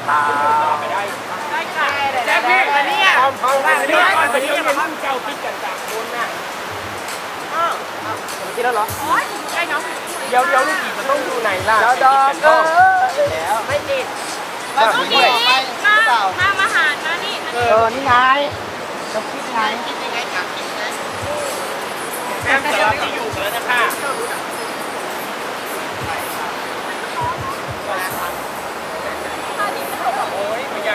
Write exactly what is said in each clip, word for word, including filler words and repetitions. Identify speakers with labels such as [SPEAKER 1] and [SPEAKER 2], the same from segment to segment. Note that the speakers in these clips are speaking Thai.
[SPEAKER 1] ครับไปได้ได้ค่ะแจ๊คพี่อันนี้พร้อมพร้อมกันนี่อันนี้มันรุ่นเก่าคิดกันสามคนน่ะอ้าวกินแล้วเหรอโอ้ยใช่เนาะเดี๋ยวเดี๋ยวลูกกีจะต้องดูไหนล่ะแล้วดอกเออแล้วไม่ติด
[SPEAKER 2] มาลูกกีมาทำอาหารมานี่
[SPEAKER 1] เออนี่ไงจะคิดไงคิดยังไงกับคิดไงแอมจะรับที่อยู่แล้วนะคะโอ้ยมันอยาก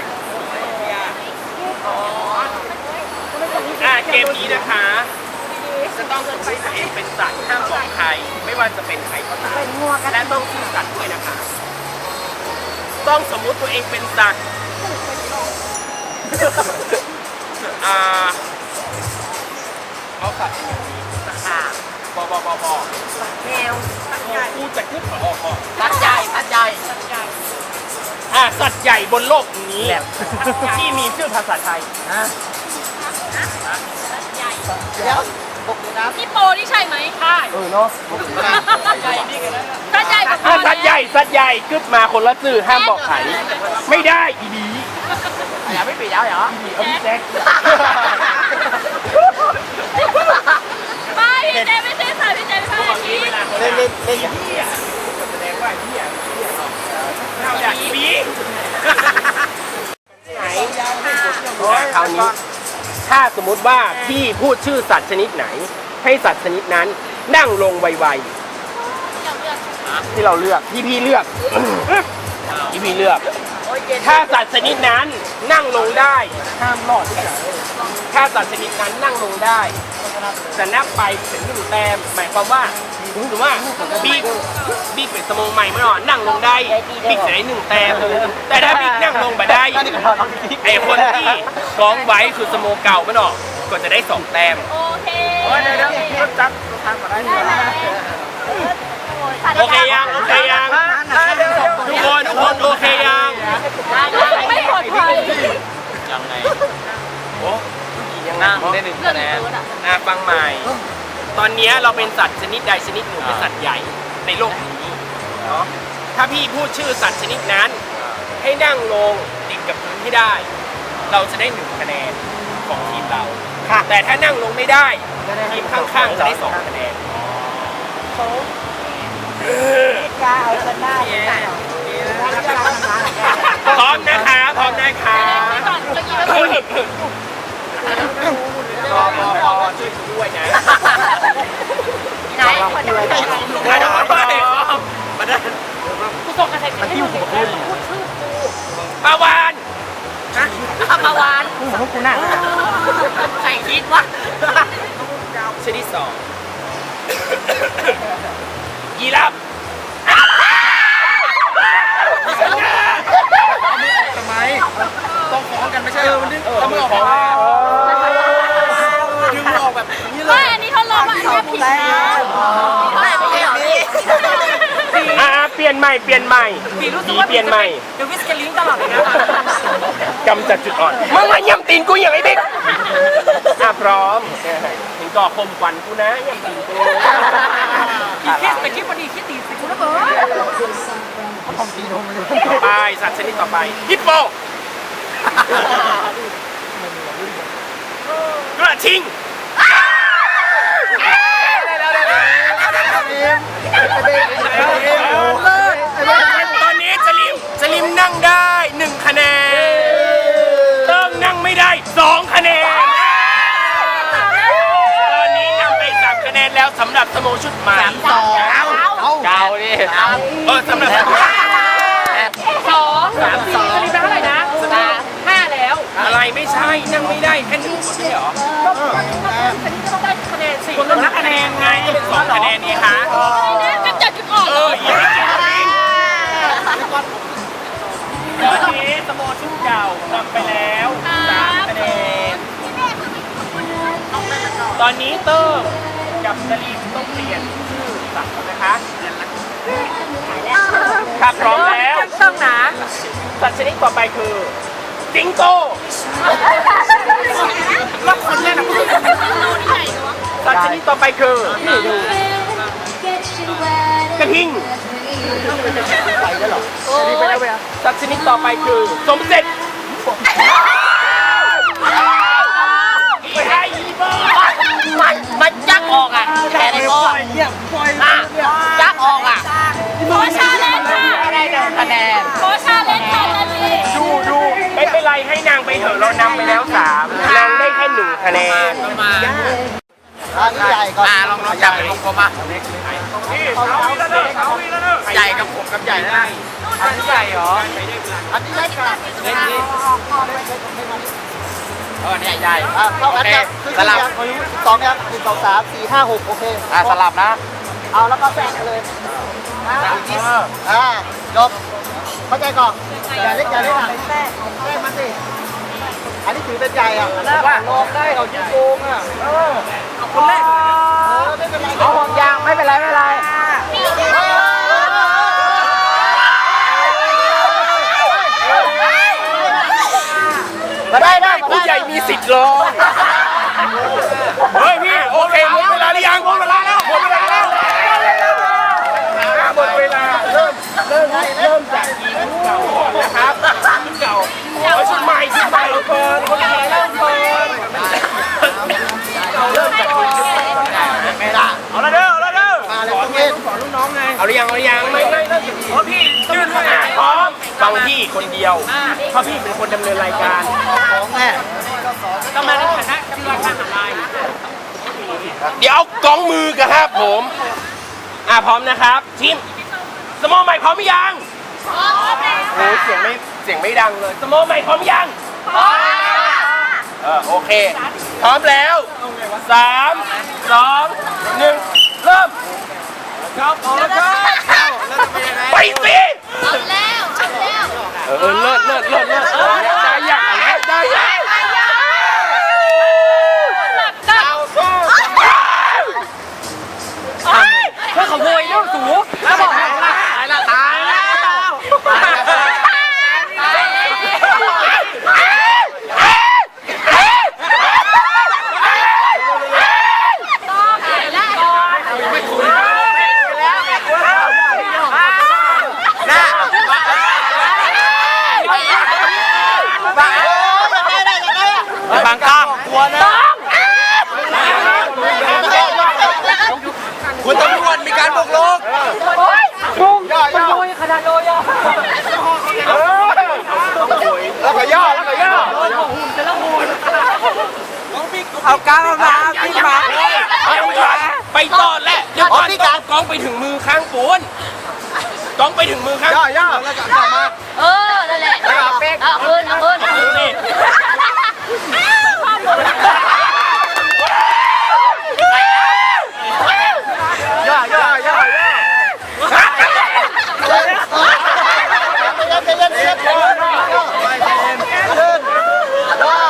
[SPEAKER 1] อ่าเกมนี้นะคะจะต้องสมมติตัวเองเป็นสัตว์ห้ามบอกใครไม่ว่าจะเป็นใครก็ตามและต้องซื่อสัตย์ด้วยนะคะต้องสมมุติตัวเองเป็นสัตว์อ่าเอาสัตว์อย่างนี้นะคะบอบอบอบอแมวสัตว์ใหญ่กูจะขึ้นขอออกก่อนสัตว์ใหญ่สัตว์ใหญ่สัตว์ใหญ่อ่าสัตว์ใหญ่บนโลกนี้ที่มีชื่อภาษาไทยนะเดี๋ยวบอกเลยนะ
[SPEAKER 2] พี่โปนี่ใช่ไหมใช่
[SPEAKER 1] เออเนาะ
[SPEAKER 2] สัตว์ใหญ่นี่กันสัตว์ใหญ่กับ
[SPEAKER 1] สัตว์ใหญ่สัตว์ใหญ่กึบมาคนละสื่อห้ามบอกใครไม่ได้อีดีอย่าไม่ปิดแล้วเหรออีดีเอาพี่แจ็ค
[SPEAKER 2] ไม่พี่แจ็คไม่ใช่สัตว์พี่แจ็คเป็นอะไรนี้
[SPEAKER 1] เล่นเล่นเล่นอย่างนี้แสดงว่าพี่อ่ะเราอยากอีดีไหนคราวนี้ถ้าสมมุติว่าพี่พูดชื่อสัตว์ชนิดไหนให้สัตว์ชนิดนั้นนั่งลงไวๆที่เราเลือกที่พี่เลือกที่พี่เลือกถ้าสัตว์ชนิดนั้นนั่งลงได้ห้ามรอดถ้าสัตว์ชนิดนั้นนั่งลงได้จะนับไปถึงหนึ่งแต้มหมายความว่าถือว่าบิ๊กบิ๊กเป็นสมองใหม่เมื่อก่อนนั่งลงได้บิ๊กจะได้หนึ่งแต้มแต่ถ้าบิ๊กนั่งลงมาได้ไอ้คนที่กองไว้คือสมองเก่าเมื่อก่อนก็จะได้สองแต้ม
[SPEAKER 2] โอเค
[SPEAKER 1] เดี๋ยวเดี๋ยวจับทางมาได้โอเคยังโอเคยังทุกคนทุกคนโอเคยัง
[SPEAKER 2] ไม่ปลอดภัย
[SPEAKER 1] ยังไงโอ้ยังนั่งได้หนึ่งคะแนนอ่ะฟังใหม่ตอนนี้เราเป็นสัตว์ชนิดใดชนิดหนึ่งเป็นสัตว์ใหญ่ในโลกนี้เนาะถ้าพี่พูดชื่อสัตว์ชนิดนั้นให้นั่งลงติดกับพื้นที่ได้เราจะได้หนึ่งคะแนนของทีมเราแต่ถ้านั่งลงไม่ได้ทีมข้างๆจะได้สองคะแนน
[SPEAKER 3] กาเอาชนะ
[SPEAKER 1] พร้อมนะคะพร้อมนะคะรอรอรอช่วยด้วยนะ
[SPEAKER 2] ไหนคนไหน
[SPEAKER 1] ใครทำอะไรมาได้
[SPEAKER 2] กูส่งกระแสให้ดูพูดชื่อกู
[SPEAKER 1] ปาวาน
[SPEAKER 2] นะปาวาน
[SPEAKER 3] กูของกูน่ะ
[SPEAKER 2] ใส่คิดวะ
[SPEAKER 1] ชนิดสองยีราฟทำไมต้องฟ้องกันไม่ใช่เหรอมันดึงเอามือออกมาดึงมือออกแบบนี้เลย
[SPEAKER 2] ไม่อันนี้ทดลองว่าอันนี้ผิดแล้วไม่ไม่ใช่หรอพี่
[SPEAKER 1] อ่าเปลี่ยนใหม่เปลี่ยนใหม่ดีเปลี่ยนใหม่
[SPEAKER 2] เดี๋ยววิสเกลิงตลอดเลยนะ
[SPEAKER 1] กำจัดจุดอ่อนมึงมาย่ำตีนกูอย่างไอ้เด็กอ่ะพร้อมถึงก่อคมควันกูนะย่ำตีนกู
[SPEAKER 2] อีคิดไปคิดพอดีคิดตีสิกูระเบิด
[SPEAKER 1] ต่อไปสัตว์ชนิดต่อไปฮิปโปกระทิงตอนนี้จลิมจลิมนั่งได้หนึ่งคะแนนเติ้งนั่งไม่ได้สองคะแนนตอนนี้นำไปสามคะแนนแล้วสำหรับสโมชุดใหม่
[SPEAKER 3] สอง
[SPEAKER 1] เก้าดิเออสำหรับ
[SPEAKER 2] สองสามสี่จลิมได้เท่าไหร่นะห้าแล้ว
[SPEAKER 1] อะไรไม่ใช่นั่งไม่ได้แค่หนึ่งคนไม่เหรอ
[SPEAKER 2] ฉันจะต้องได้คะแนนสี่
[SPEAKER 1] คนละคะแนนไงก็เป็นสองคะแนนนี่คะ
[SPEAKER 2] ก็จัดจุดอ่อน
[SPEAKER 1] เอออีกตอนนี้สโมชุดเก่านำไปแล้วสามคะแนนตอนนี้เติ้งกับจลิมต้องเปลี่ยนชื่อสัตว์นะคะถ้าพร้อมแล้ว
[SPEAKER 2] ต้องนะ
[SPEAKER 1] สัตว์ชนิดต่อไปคือสิงโตรับคนแรกนะสัตว์ชนิดต่อไปคือกระทิง
[SPEAKER 4] ไปแล้วเหรอ
[SPEAKER 2] โอ้ย
[SPEAKER 1] สัตว์ชนิดต่อไปคือสมเสร็จไม่ให้อีเบอร์
[SPEAKER 2] มันมันยักออกอ่ะแค่ในก้อนอ่ะยักออกอ่ะ
[SPEAKER 5] ขอชาเลนจ์ค่ะ
[SPEAKER 2] ไม่ได้เดินคะแนน
[SPEAKER 5] ขอชาเลนจ์ค่ะนาที
[SPEAKER 1] ดูดูไม่เป็นไรให้นางไปเถอะเรานำไปแล้วสามนางได้แค่หนึ่งคะแนน
[SPEAKER 2] มา
[SPEAKER 4] อันนี้ใหญ่ก่อน
[SPEAKER 2] อ่าลองลองจับเป็นวงกลมมาใหญ่กับผมกับใหญ่ได้อันใหญ่เหรอ
[SPEAKER 4] อันนี้เล็กกัน
[SPEAKER 2] เล็กนี่เออเนี่ยใหญ่
[SPEAKER 4] อ่ะเท่ากัน
[SPEAKER 2] โอเค
[SPEAKER 4] ครับคือ
[SPEAKER 2] สลับ
[SPEAKER 4] สองยังหนึ่งสองสามสี่ห้าหกโอเค
[SPEAKER 2] อ่าสลับนะ
[SPEAKER 4] เอาแล้วก็แทรกเลยอ่าจบเข้าใจก่อนอย่าเล็กอย่าเล็กอ่ะแทรกแทรกมาสิอันนี้ถือเป็นใหญ่อ่ะว่าลองได้เขาชิ้นโกงอ่ะเออเอาคนแรกเออไม่เป็นไรเอาห่วงยางไม่เป็นไรไม่เป็นไรมาได้ได้
[SPEAKER 1] ผู้ใหญ่มีสิทธิ์ลองเฮ้ยพี่โอเคหมดเวลาหรือยังหมดเวลาแล้วหมดเวลาแล้วหมดเวลาเริ่มเริ่มเริ่มจากทีมเก่าก่อนนะครับทีมเก่าเอาชุดใหม่ชุดใหม่เราเปิดคนใหม่เริ่มเปิดเราเริ่มจากทีมเก่าไม่ได้เอาละเด้อเอาละเด้อ
[SPEAKER 4] มาเลยต้องเล่น
[SPEAKER 1] เอาหรือยังเอาหรือยังไม่ไม่ไม่เพราะพี่ยื่นขนาดพร้อมฟังพี่คนเดียวเพราะพี่เป็นคนดำเนินรายการ
[SPEAKER 4] ของแม่
[SPEAKER 2] ต้องมาในฐานะที่ว่าการอะไร
[SPEAKER 1] เดี๋ยวเอากองมือกันครับผมอ่ะพร้อมนะครับทีมสมอใหม่พร้อมหรือยังโอ้เสียงไม่เสียงไม่ดังเลยสมอใหม่พร้อมหรือยังเออโอเคพร้อมแล้วสามสองหนึ่งเริ่มครับพร้อมแล้วครับไปสิ
[SPEAKER 5] เอาแล้วเอาแล้ว
[SPEAKER 1] เออเลิศเลิศเลิศเลิศเออได้ยังได้ยัง
[SPEAKER 2] เพื่อขโมยเรื่องสูงแล้วบอกตายละตายแล้วบางกล้ามกลัวนะคุณตำรวจมีการบุกรุก
[SPEAKER 4] พุ่งย่อย่อ
[SPEAKER 2] ขนาดโลยอ่ะ
[SPEAKER 4] แล้วก็ย่อแล้วก็ย่อ
[SPEAKER 2] เอากล้ามมาขึ้นมา
[SPEAKER 1] ไปต่อแหละเดี๋ยวก่อนกองไปถึงมือข้างปูนกองไปถึงมือข้าง
[SPEAKER 4] ย่อย่อแล้วก็ย่อมา
[SPEAKER 5] เออนั่นแหละเอาคืนเอาคืนเอาคืน
[SPEAKER 1] นี่
[SPEAKER 4] ย่อย่อย่อย่อเย็นเย็นเย็นย่อย่อขึ้นย่อ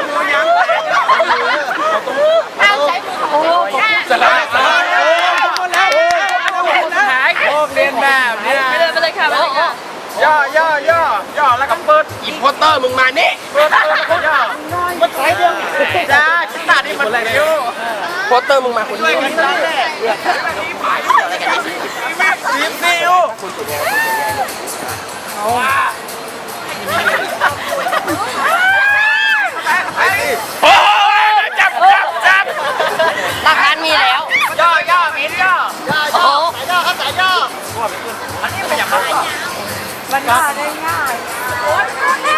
[SPEAKER 5] เอาใช้มือของเราค่ะ
[SPEAKER 1] สลับสลับ
[SPEAKER 2] หายโอ้เรียนแบบเนี่ย
[SPEAKER 5] ไปเลยไปเลยค่ะไปเลยค่ะ
[SPEAKER 4] ย่อย่อย่อย่อแล้วก็เปิด
[SPEAKER 1] อีโพเตอร์มึงมานี่
[SPEAKER 4] เปิดเปิดแล้วก็ย่อมันใช้เดียวจ้าชิ้นหน้านี่มันเร็ว
[SPEAKER 1] โพเตอร์มึงมาคนเดียว
[SPEAKER 4] ทีมซิว
[SPEAKER 1] โอ้ยจับจับจับ
[SPEAKER 5] หลักฐานมีแล้ว
[SPEAKER 4] ย่อย่อมีย่อย่อย่อสายย่อครับสายย่อ
[SPEAKER 5] มันมาได้ง่าย